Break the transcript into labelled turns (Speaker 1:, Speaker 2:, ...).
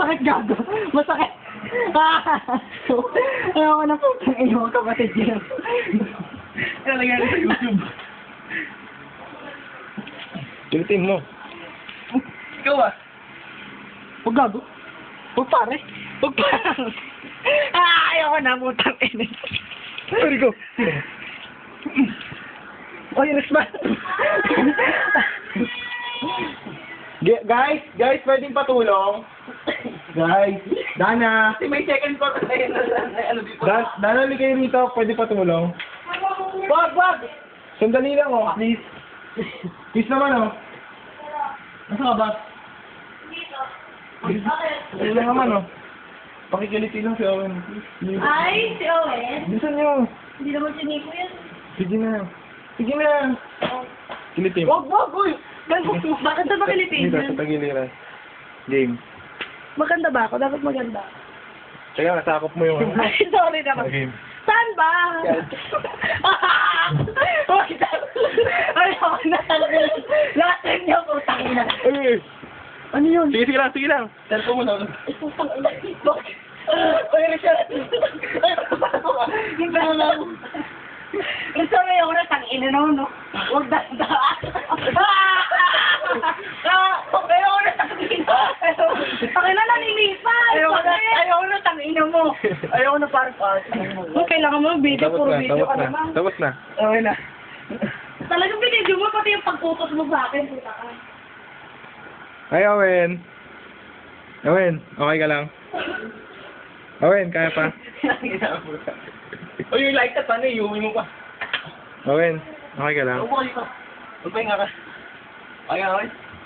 Speaker 1: Masakit gago. Masakit. Ayaw ko na putang ina mo kapatid yun.
Speaker 2: Ano nangyari sa YouTube?
Speaker 3: Kilitin mo.
Speaker 2: Ikaw ah.
Speaker 1: Huwag gago. Huwag pare. Huwag pare. Ayaw ko na putang ina.
Speaker 3: Sorry ko.
Speaker 1: Oy, resman.
Speaker 3: Guys, pwedeng patulong. Guys, Dana.
Speaker 2: Kasi may second part na yun. Ano dito?
Speaker 3: Dana, ligay rito. Pwede patulong.
Speaker 2: Wag!
Speaker 3: Sandali lang, oh. Please. Please naman, oh.
Speaker 2: Nasaan ka ba?
Speaker 3: Sandali lang naman, oh. Pakikilitin lang si Owen. Please.
Speaker 4: Ay, si Owen.
Speaker 3: Bilisan niyo.
Speaker 4: Hindi naman si Nico yan.
Speaker 3: Sige na. Sige na. Kilitin.
Speaker 1: Wag, uy.
Speaker 4: Bakit na ba
Speaker 3: Dito,
Speaker 4: Pilipinas?
Speaker 3: sa tagiliran. Game.
Speaker 1: Maganda ba ako? Dapat maganda.
Speaker 3: Kaya nasakop mo yung...
Speaker 1: Ay, sorry naman.
Speaker 3: Game.
Speaker 1: Saan ba? Ayaw ko na. Lahat niyo, putang ina.
Speaker 3: Ay!
Speaker 1: Ano yun?
Speaker 3: Sige lang.
Speaker 2: Cellphone mo na.
Speaker 1: Putang ina. Bakit? Oy, Richard. Yung gano'n. Richard, ayaw ko na tangina no. Huwag danda. Ayaw ko na tangina. Pakila na nilipan. Ayaw ko na tangina mo. Ayaw ko na parang. Kailangan mo video, puro video ka naman.
Speaker 3: Tapos na.
Speaker 1: Okay na.
Speaker 4: Talagang binidyo mo, pati yung pagputos mo sa akin. Puta ka.
Speaker 3: Ay, Owen. Owen, okay ka lang? Owen, kaya pa?
Speaker 2: O yung light up, ano, iuwi mo pa.
Speaker 3: Owen, okay ka lang?
Speaker 2: Upo kayo pa. Magpahinga ka. Okay.